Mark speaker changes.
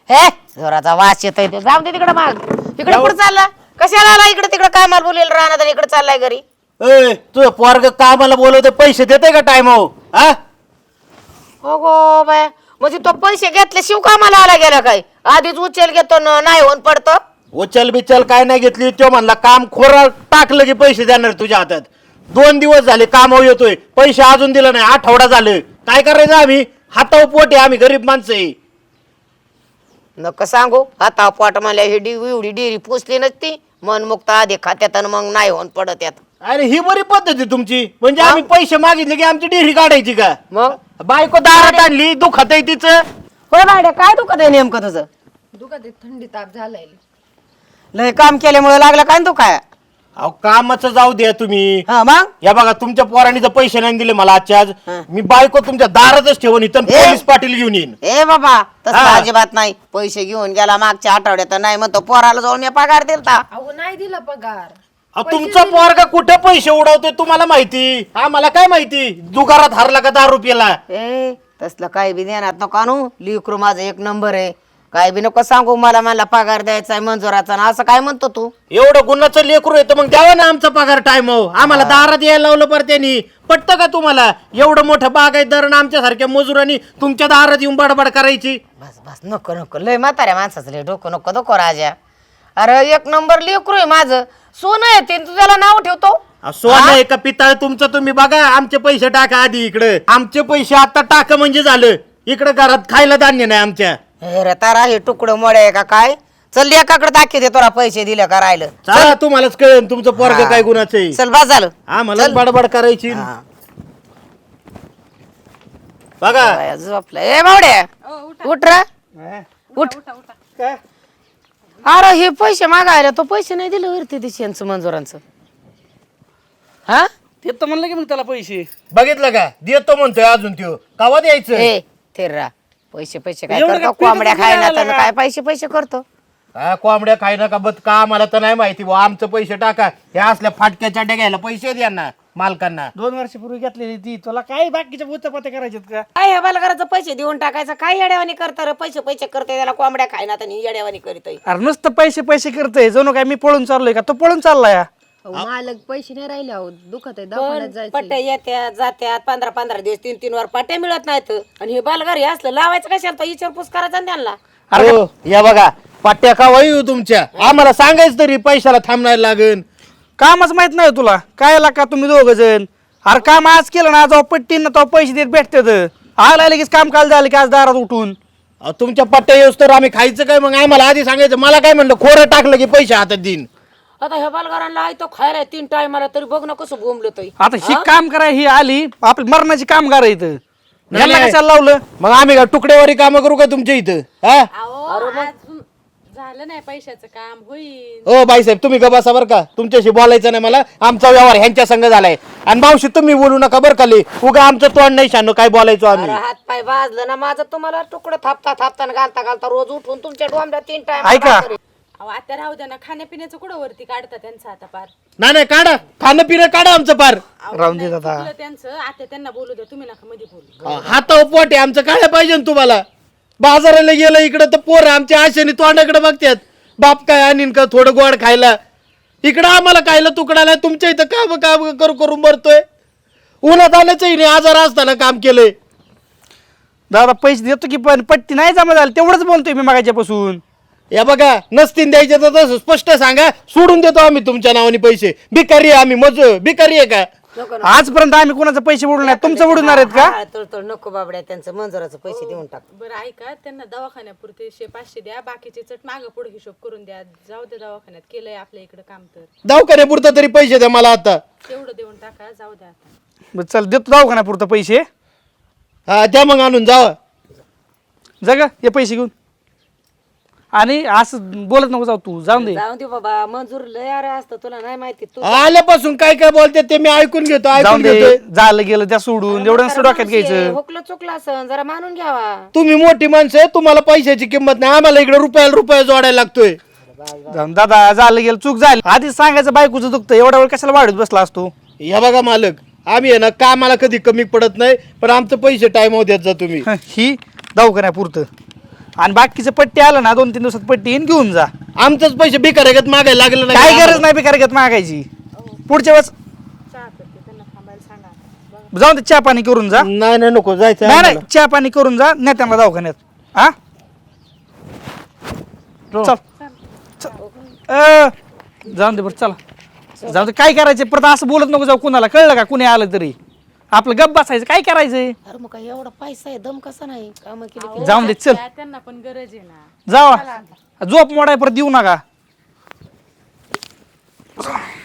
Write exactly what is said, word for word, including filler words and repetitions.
Speaker 1: हे जोराचा वास येतोय ते जाऊ दे तिकडे माग इकडे कुठं चालला कशाला आला इकडे तिकडे कामाला बोलेल राहणार आणि इकडे चाललाय घरी
Speaker 2: ए तुझं पोरग कामाला बोलवते पैसे देते का टाइम हो हा
Speaker 1: हो गो बाया म्हणजे तो पैसे घेतले शिव कामाला आला गेला काय आधीच उचल घेतो न नाही होऊन पडतो
Speaker 2: उचल बिचल काय नाही घेतली तो म्हणला काम खोरा टाकलं की पैसे देणार तुझ्या हातात दोन दिवस झाले काम येतोय पैसे अजून दिलं नाही आठवडा झालं काय करायचं आम्ही हातावर पोट आहे आम्ही गरीब माणसं आहे
Speaker 1: नका सांगू आता पोट मला ही डी एवढी डेरी पोचली नसती मन मुक्त आधी खात्यात आणि मग नाही होऊन पडत यात
Speaker 2: अरे ही बरी पद्धत आहे तुमची म्हणजे आम्ही पैसे मागितले की आमची डेरी काढायची का
Speaker 1: मग
Speaker 2: बायको दारात आणली दुखत आहे तिचं
Speaker 1: होय बायड्या काय दुखत आहे नेमकं तुझं
Speaker 3: दुखत आहे, थंडी ताप झालाय.
Speaker 1: लय काम केल्यामुळे लागलं काय तू काय
Speaker 2: अहो कामाचं जाऊ द्या तुम्ही
Speaker 1: हा मग
Speaker 2: या बघा तुमच्या पोरांनी जर पैसे नाही दिले मला आजच्या आज
Speaker 1: हा.
Speaker 2: मी बायको तुमच्या दारातच ठेवून इथं
Speaker 1: ए.
Speaker 2: पोलीस पाटील घेऊन येईन
Speaker 1: ए बाबा तसं
Speaker 2: हा.
Speaker 1: अजिबात नाही पैसे घेऊन गेला मागच्या आठवड्यात नाही म्हणतो पोराला जाऊन मी पगार दिलता
Speaker 3: अहो नाही दिला पगार.
Speaker 2: अहो, तुमचा पोरगा कुठे पैसे उडवतोय तुम्हाला माहिती आम्हाला काय माहिती दुकानात हरला का दहा रुपयाला
Speaker 1: ए तसलं काय बी देणार नको आणू लिकरू माझं एक नंबर आहे काय बी नको सांगू मला मला पगार द्यायचा आहे मंजुराचा ना असं काय म्हणतो तू
Speaker 2: एवढं गुन्हाचं लेकरू येतं मग द्यावा ना आमचा पगार टाइम हो आम्हाला दारात यायला लावलं पर त्यांनी पटतं का तुम्हाला एवढं मोठं बागायतदार आमच्या सारख्या मजुरांनी तुमच्या दारात येऊन बडबड करायची
Speaker 1: बस बस नको नको लय म्हाताऱ्या माणसाचं लय डोकं नको नको राजा अरे एक नंबर लेकरू आहे माझं सोनं आहे ते तू त्याला नाव ठेवतो
Speaker 2: अहो, सोनं आहे का पितळ तुमचं तुम्ही बघा आमचे पैसे टाका आधी इकडे आमचे पैसे आता टाका म्हणजे झालं इकडे घरात खायला धान्य नाही आमच्या
Speaker 1: हे रे तारा हे तुकडं मोडे आहे का काय चल एकाकडे दाखी दे तुला पैसे दिले का राहिलं
Speaker 2: चला तुम्हालाच कळेल तुमचं पोरग
Speaker 1: हा.
Speaker 2: काय गुणाचं आहे
Speaker 1: चल बस झालं
Speaker 2: आम्हाला बडबड करायची
Speaker 1: हा.
Speaker 2: बघा
Speaker 1: बाया झोपलं ए बावड्या उठ रे उठ अरे हे पैसे मागायला तो पैसे नाही दिले वरती दिशांचं मंजुरांचं हा
Speaker 4: ते तर म्हणलं की मग त्याला पैसे
Speaker 2: बघितलं का देतो म्हणतोय अजून त्यो कावा द्यायचं
Speaker 1: ए थेररा पैसे पैसे काय
Speaker 4: एवढं
Speaker 1: करतो
Speaker 4: काय
Speaker 1: कोंबड्या
Speaker 4: पिकं
Speaker 1: खायला
Speaker 4: पिकायला
Speaker 1: तर
Speaker 4: का?
Speaker 1: काय पैसे पैसे करतो
Speaker 2: हा कोंबड्या खाय नका बत का आम्हाला तर नाही माहिती बुवा आमचं पैसे टाका हे असल्या फाटक्या चाट्या घ्यायला पैसे द्या ना मालकांना
Speaker 4: दोन वर्षापूर्वी घेतलेली ती तुला काय बाकीच्या बुत्तपात्या करायच्यात का
Speaker 1: काय हे बालकाराचं पैसे देऊन टाकायचं काय येड्यावानी करता रे पैसे पैसे करते त्याला कोंबड्या खायना तर येड्यावानी करीत
Speaker 4: अरे नुसतं पैसे पैसे करतोय जणू काय मी पळून चाललोय का तो पळून चाललाय
Speaker 3: अहो, मालक पैसे नाही राहिले अहो दुखत आहे दवाखान्यात जायचं.
Speaker 1: पट्ट्या येत्या जात्यात पंधरा पंधरा दिवस तीन तीन वर पट्ट्या मिळत नाहीत आणि हे बालगारी असलं लावायचं कशाला विचारपूस करायचा ना त्यांना
Speaker 2: अरे या बघा पाट्या का वायू तुमच्या आम्हाला सांगायचं तरी पैशाला थांबणार लागेल
Speaker 4: कामच माहित नाही तुला काय का तुम्ही दोघ जण अरे काम आज केलं ना जेव्हा पट्टी ना तेव्हा पैसे देत भेटतात आला लगेच काम काल झालं की आज दारात उठून
Speaker 2: अहो, तुमच्या पट्ट्या येऊस तर आम्ही खायचं काय मग आम्हाला आधी सांगायचं मला काय म्हणलं खोरं टाकलं की पैसे हातात देईन
Speaker 1: आता ह्या बालगारांना आहे तो खायला तीन टायमाला तरी बघ ना कसं बोंबलं तरी
Speaker 4: आता ही काम कराय ही आली आपली मरणाची कामगार आहे इथं
Speaker 2: नाही,
Speaker 4: यांना
Speaker 2: नाही.
Speaker 4: कशाला लावलं
Speaker 2: मग आम्ही का तुकडेवारी कामं करू का तुमच्या इथं हा
Speaker 5: झालं नाही पैशाचं काम होईल.
Speaker 2: ओ बाईसाहेब तुम्ही ग बसा बरं का तुमच्याशी बोलायचं नाही मला आमचा व्यवहार ह्यांच्या संग झालाय आणि मावशी तुम्ही बोलू नका बरं खाली उगा आमचं तोंड नाही शानो काय बोलायचो आम्ही
Speaker 1: हात पाय भाजलं ना माझं तुम्हाला तुकडं थापता थापता न घालता घालता रोज उठून तुमच्या डोंबऱ्या तीन टाइम
Speaker 4: ऐका
Speaker 5: अहो आता राहू द्या ना खाण्यापिण्याचं कुठं वरती काढता त्यांचं आता पार
Speaker 2: नाही नाही काढा खाणं पिणं काढा आमचं पार
Speaker 4: राहून देत आता
Speaker 5: तुला त्यांचं आता त्यांना बोलू द्या तुम्ही नका मध्ये बोलू
Speaker 2: हातावर पोट आहे आमचं काय पाहिजे ना तुम्हाला बाजाराला गेलं इकडं तर पोरं आमच्या आशेने तोंडाकडे बघतात बाप काय आणीन का थोडं गोड खायला इकडं आम्हाला खायला तुकडाला तुमच्या इथं काम काम करू करून मरतोय उन्हात आल्याचंही नाही आजार असताना काम केलंय
Speaker 4: दादा पैसे देतो की पण पट्टी नाही जमा झाली तेवढंच बोलतोय मी मागाच्यापासून
Speaker 2: या बघा नसतील द्यायचे तर तसं स्पष्ट सांगा सोडून देतो आम्ही तुमच्या नावाने पैसे भिकारी आहे आम्ही मज भिकारी आहे का
Speaker 4: आजपर्यंत आम्ही कोणाचे पैसे बुडून नाही तुमचं बुडणार आहेत का
Speaker 1: तर तर नको बाबड्या त्यांचं मंजुराचं पैसे देऊन टाक
Speaker 5: बरं ऐका त्यांना दवाखान्यापुरते शे पाचशे द्या बाकीचे चट मागं पुढे हिशोब करून द्या जाऊ द्या दवाखान्यात केलंय आपल्या इकडे काम तर
Speaker 2: दवाखान्यापुरतं तरी पैसे द्या मला आता
Speaker 5: तेवढं देऊन टाका जाऊ द्या आता
Speaker 4: बरं, चल देतो दवाखान्यापुरतं पैसे
Speaker 2: हा द्या मग आणून जावा
Speaker 4: जग हे पैसे घेऊन आणि असं बोलत नको जाऊ तू जाऊन दे
Speaker 1: जाऊन दे बाबा मंजूर लय अरे असतं तुला नाही माहिती तू
Speaker 2: आल्यापासून काय काय बोलते ते मी ऐकून घेतो
Speaker 4: जाऊन
Speaker 2: ऐकून
Speaker 4: दे
Speaker 2: घेतोय
Speaker 4: झालं गेलं त्या सोडून एवढं नसतं डोक्यात घ्यायचं
Speaker 1: हुकलं चुकलं असं जरा मानून घ्यावा
Speaker 2: तुम्ही मोठी माणसं आहे तुम्हाला पैशाची किंमत नाही आम्हाला इकडे रुपयाला रुपया जोडायला लागतोय
Speaker 4: जाऊन दादा झालं गेलं चूक झाली आधीच सांगायचं बायकोचं दुखतं एवढा वेळ कशाला वाढत बसला असतो
Speaker 2: या बघा मालक आम्ही आहे ना कामाला कधी कमी पडत नाही पण आमचं पैसे टाइम देत जा तुम्ही
Speaker 4: ही दवाखान्यापुरतं आणि बाकीचं पट्टी आलं ना दोन तीन दिवसात पट्टी येईन घेऊन जा.
Speaker 2: आमचंच पैसे बिकारेगत मागायला लागलं
Speaker 4: काय
Speaker 2: नाही
Speaker 4: गरज नाही बेकारगत मागायची. पुढच्या वेळेस
Speaker 5: चहा करते त्यांना थांबायला सांगा आता.
Speaker 4: जाऊन दे चहा पाणी करून जा.
Speaker 2: नाही नाही नको जायचं
Speaker 4: नाही
Speaker 2: आम्हाला.
Speaker 4: नाही चहा पाणी करून जा नेत्यांना दवाखान्यात. हा चल चल. अ, जाऊन दे बरं चला जाऊ दे. काय करायचं परत असं बोलत नको जाऊ कुणाला, कळलं का? कुणी आलं तरी आपलं गप बसायचं. काय करायचंय?
Speaker 1: अरे मग काय एवढा पैसा आहे दम कसा नाही काम केली
Speaker 4: जाऊन दे चल
Speaker 5: त्या- त्यांना पण गरज आहे ना.
Speaker 4: जावा. झोप मोडाय परत देऊ नका.